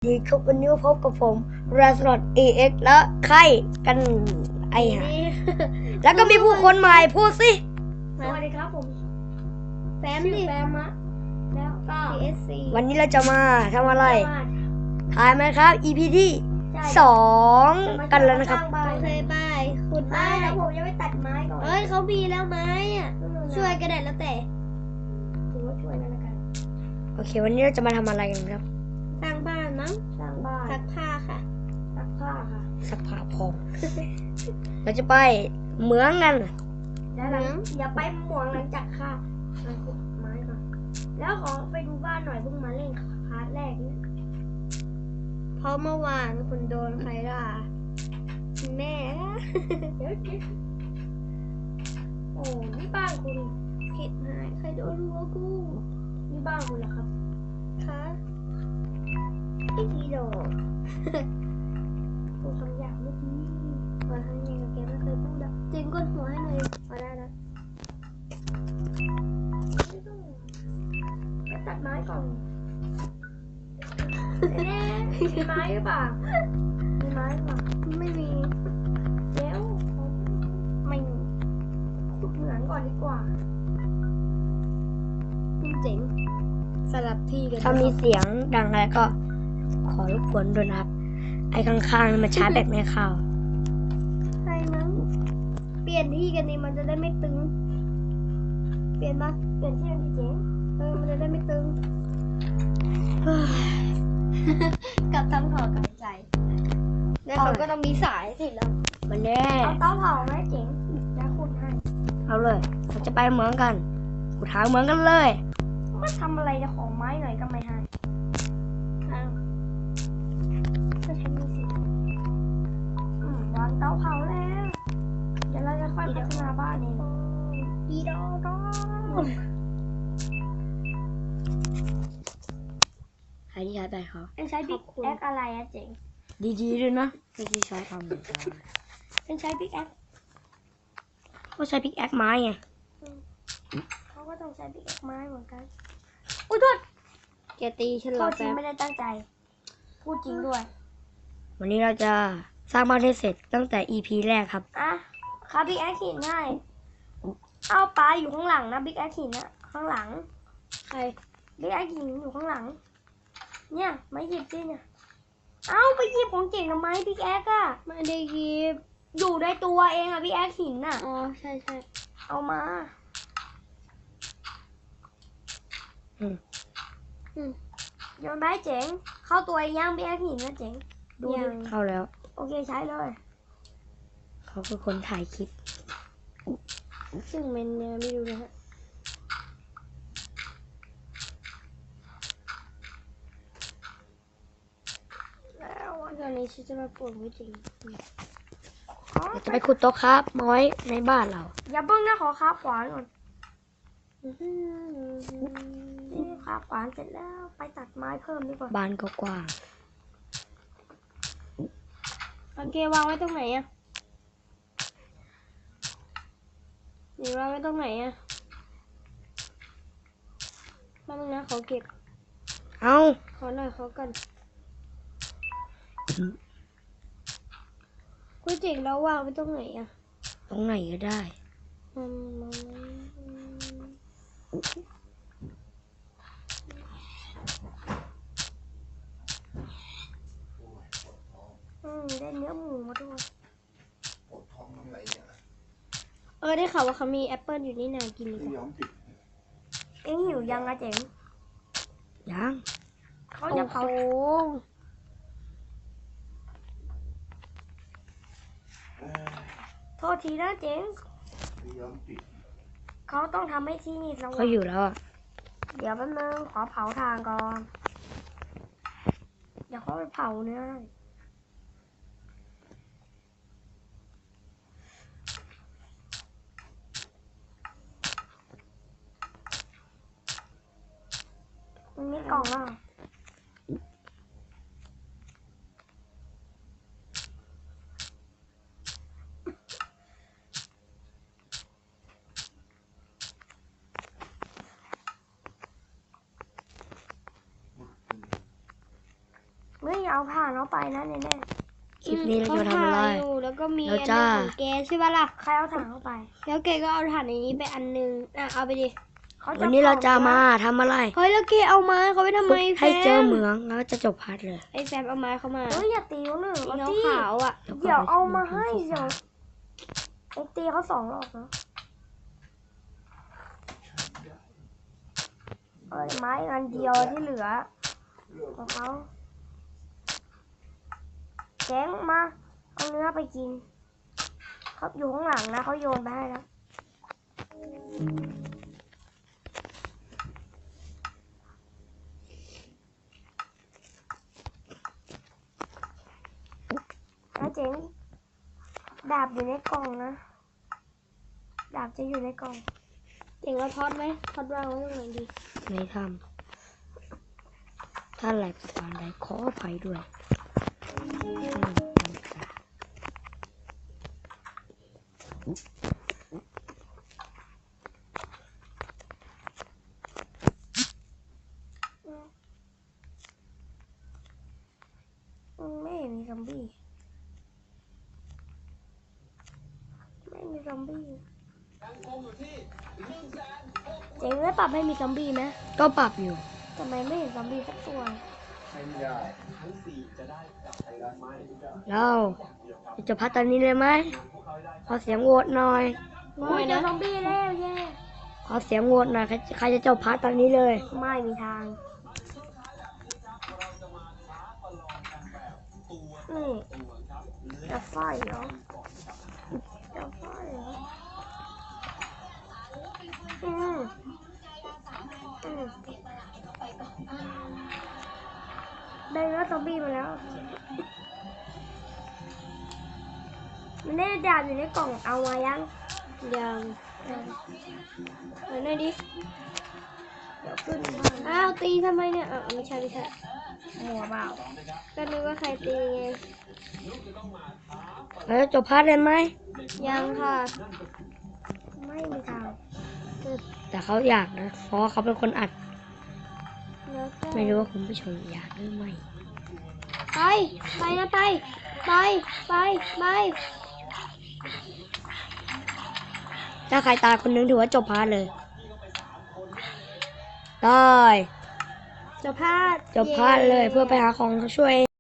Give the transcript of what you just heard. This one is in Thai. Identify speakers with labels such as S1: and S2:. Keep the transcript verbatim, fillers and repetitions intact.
S1: ดีครับวันนี้พบกับผมแรสลอดเอเอ็กและใครกันไอฮะแล้วก็มีผู้คนใหม่พูดสิ
S2: สวัสดีครับผมแฟม
S1: ชื่อ
S2: ดิ
S1: แฟมะ
S2: แล้วก็ พี เอส ซี
S1: วันนี้เราจะมาทำอะไรถ่ายไหมครับ อี พี ที่สองกันแล้วนะครับ
S2: โอเคบายขุด
S3: ไม่
S2: ไม้
S3: แล้วผมจะไปตัดไม้ก่อน
S2: เอ้ยเขามีแล้วไม้อ่ะช่วยกันได้แล้วแต่
S3: ถือว่าช่วยแล้วกัน
S1: โอเค วันนี้เราจะมาทำอะไรกันครับ
S2: สร้างบ้านมั้ง
S3: สร้างบ้าน
S2: ซักผ้าค่ะ
S3: ซักผ้าค่ะ
S1: สักผ้าพอง เราจะไปเหมืองกัน
S3: แล้วหลังอย่าไปหมวงหลังจากค่ะมาขุดไม้ก่อนแล้วขอไปดูบ้านหน่อยเพิ่งมาเล่นคาร์ดแรกนี่
S2: เพราะเมื่อวานคุณโดนใครด่าแม่
S3: เดี๋ยวเดี๋ยวโอ้นี่บ้านคุณ
S2: ผิดหายใครโดนหัวกู
S3: นี่บ้านคุณเหรอครับ
S2: คะ
S3: ไอ้ทีโดพูดคำหยาบเมื่อกี้
S2: วันครั้งนี้กับแกไม่เคยพูดอ่ะจริงกดหัวให้หน่อยเอาได้นะ
S3: ไม่ต้องไปตัดไม้ก่อนแน่ๆมีไม้หรือเปล่ามีไม้หรือเปล่า
S2: ไม่มี
S3: เดี๋ยวขอ
S2: ไม่มี
S3: ขุดเหมืองก่อนดีกว่า
S2: เจ๋งสลับที่กัน
S1: ถ้ามีเสียงดังอะไรก็ขอรบกวนด้วยนะครับ ไอ้ข้างๆนี่มันชาร์จแบตไม่เข้า
S2: ใช่มั้งเปลี่ยนที่กันนี่มันจะได้ไม่ตึง เปลี่ยนปะ
S3: เปลี่ยนที่เป็นที่เจ๋ง
S2: เออมันจะได้ไม่ตึง กับทำขอกับใจแล้วเขาก็ต้องมีสายสิแล้ว
S1: มันแน่
S3: เอาเตาเผาไหมเจ๋งแล้วขุดให้
S1: เอาเลย เราจะไปเหมืองกันกูทางเหมืองกันเลย
S3: มาทำอะไรจะขอไม้หน่อยก็ไม่ให้
S2: อ้าว
S3: ก็ใช้มีสิอืมวางเตาเผาแล้ว เดี๋ยวเราจะค่อยพัฒนาบ้านเอง
S2: ดีดอดอ
S1: ใครที่ใช้แบตเขา
S3: เอ็งใช้บิ๊กแอคอะไรอะเจ๋ง
S1: ดีๆด้วยนะไม่ใช่ใช้ทำเหมือนกัน
S3: เอ็งใช้บิ๊กแอค
S1: ก็ใช้พิกแอคไม้ไง
S3: เขาก็ต้องใช้บิ๊กแอคไม้เหมือนกัน อุ้ยโทษ
S2: แกตีฉันเห
S3: โท
S2: รอ
S3: ษจริ
S2: แป๊
S3: ง
S2: บ
S3: ไม่ได้ตั้งใจ พูดจริงด้วย
S1: วันนี้เราจะสร้างบ้านให้เสร็จตั้งแต่ อี พี แรกครับ
S3: อ่ะครับบิ๊กแอคหินให้เอาปลาอยู่ข้างหลังนะบิ๊กแอคหินอะข้างหลัง
S2: ใคร
S3: บิ๊กแอคหินอยู่ข้างหลัง เนี่ยไม่หยิบสิเนี่ย เอาไปหยิบของเจ๋งทำไมบิ๊กแอคอะ
S2: ไม่ได้หยิบ
S3: อยู่ในตัวเองอะบิ๊กแอคหินอะ
S2: อ๋อใช่ใช่
S3: เอามา
S1: อืม
S2: อืม
S3: โยนไปให้เจ๋ง เข้าตัวเองยังบิ๊กแอคหินนะเจ๋ง ดูดิ
S2: ยัง
S1: เข้าแล้ว
S3: โอเคใช้เลย
S1: เขาคือคนถ่ายคลิป
S2: ซึ่งมันยังไม่รู้นะฮะ
S3: แล้วอะ
S2: ตอนนี้ฉันจะมาปลูกไว้จริง
S3: อ๋อ
S1: เราจะไปขุดโต๊ะครับมาไว้ในบ้านเรา
S3: อย่าเพิ่งนะขอคาบขวานก่อนนี่คาบขวานเสร็จแล้วไปตัดไม้เพิ่มดีกว่า
S1: บ้านก็กว้าง
S2: โอเควางไว้ตรงไหนอะนี่วางไว้ตรงไหนอะแป๊บนึงนะขอเก็บ
S1: เอา
S2: ขอหน่อยขอกันก๋วยเจ๋งแล้ววางไว้ตรงไหนอะ
S1: ตรงไหนก็ได้
S2: อืมอืม
S3: อืมได้เนื้อหมูมาด้วย
S2: เออได้ข่าวว่าเขามีแอปเปิลอยู่นี่นากินดีกว่า
S3: เอ็งหิวยังอะเจ๋ง
S1: ยัง
S3: เขาจะเผา
S2: โอ้
S3: โทษทีนะเจ๋งเขาต้องทำให้ที่นี่สว่า
S1: เขา
S3: ง
S1: อยู่แล้วอ่ะ
S3: เดี๋ยวแป๊บนึงขอเผาทางก่อน เดี๋ยวเขาไปเผาเนื้อให้มันมีกล่องอ่ะไม่เอาผ่านเอาไปนะแน่
S1: คลิปนี้เราจะมาทำอะไร
S2: เขาถ่ายอยู่แล้วก็มี
S1: แล้ว
S2: อัน
S1: จ้า
S2: นึงของแกใช่ปะล่ะ
S3: ๆใครเอาถังเข้าไป
S2: แล้วแกก็เอาถ่านในนี้ไปอันนึงอ่ะเอาไปดิ
S3: เขาจะ
S1: วันนี้เราจะมาทำอะไร
S2: เฮ้ยแล้วแกเอาไม้เขาไปทำไมแฟ
S1: ให้
S2: ม
S1: เจอเหมืองแล้วจะจบพาร์ทเลย
S2: ไอ้แฟมเอาไม้เขามา
S3: เฮ้ยอย่าตีเขาหนึ่ง
S2: สี
S3: เอา
S2: น้อง
S3: ที่
S2: ขาวอ่ะ
S3: เดี๋ยวเอามาให้เดี๋ยวไอ้ตีเขาสองรอบนะเอ้ยไม้อันเดียวที่เหลือของเขาแจ้งมาเอาเนื้อไปกินเขาอยู่ข้างหลังนะเขาโยนไปให้แล้วนะเจ๋งดาบอยู่ในกล่องนะดาบจะอยู่ในกล่อง
S2: เจ๋งเราทอดไหมทอดวางไว้ตรงไหนดี
S1: ไม่ทำถ้าแหลกประการใดขออภัยด้วยอืม
S3: อืมไม่เห็นมีซอมบี้ไม่มีซอมบี้เจ๋งได้ปรับให้มีซอมบี้ไหม
S1: ก็ปรับอยู่
S3: ทำไมไม่เห็นซอมบี้สักตัว
S1: เราจะพัฒตอนนี้เลยไหมขอเสียงโหวตหน่อย
S2: น้อ
S3: อุ้
S2: ย
S3: ยเจอ
S2: นะ
S3: ซอมบี้แล้วแย่
S1: ขอเสียงโหวตหน่อยใครใครจะจบพาร์ทตอนนี้เลย
S3: ไม่มีทางนี่จะไฟเหรอจะไฟเหรออืมอืมได้เนื้อซอมบี้มาแล้วมันได้ดาบอยู่ในกล่องเอามายัง
S2: ยัง
S3: เออ
S2: เอาหน่อยดิ
S3: เดี๋ยวขึ้นบ้าน
S2: อ้าวตีทำไมเนี่ยอ่ะไม่ใช่ไม่ใช่
S3: หัวเปล่า
S2: ก็นึกว่าใครตีไง
S1: แล้วจะจบพาร์ทเลยไหม
S2: ยังค่ะ
S3: ไม่มีทาง
S1: แต่เขาอยากนะ เพราะว่าเขาเป็นคนอัด
S2: แล้วก็
S1: ไม่รู้ว่าคุณผู้ชมอยากหรือไม่
S2: ไปไปนะไปไปไปไป
S1: ถ้าใครตายคนนึงถือว่าจบพาร์ทเลย ได้
S2: จะพลาด
S1: จบพาร์ทเลยเพื่อไปหาของช่วย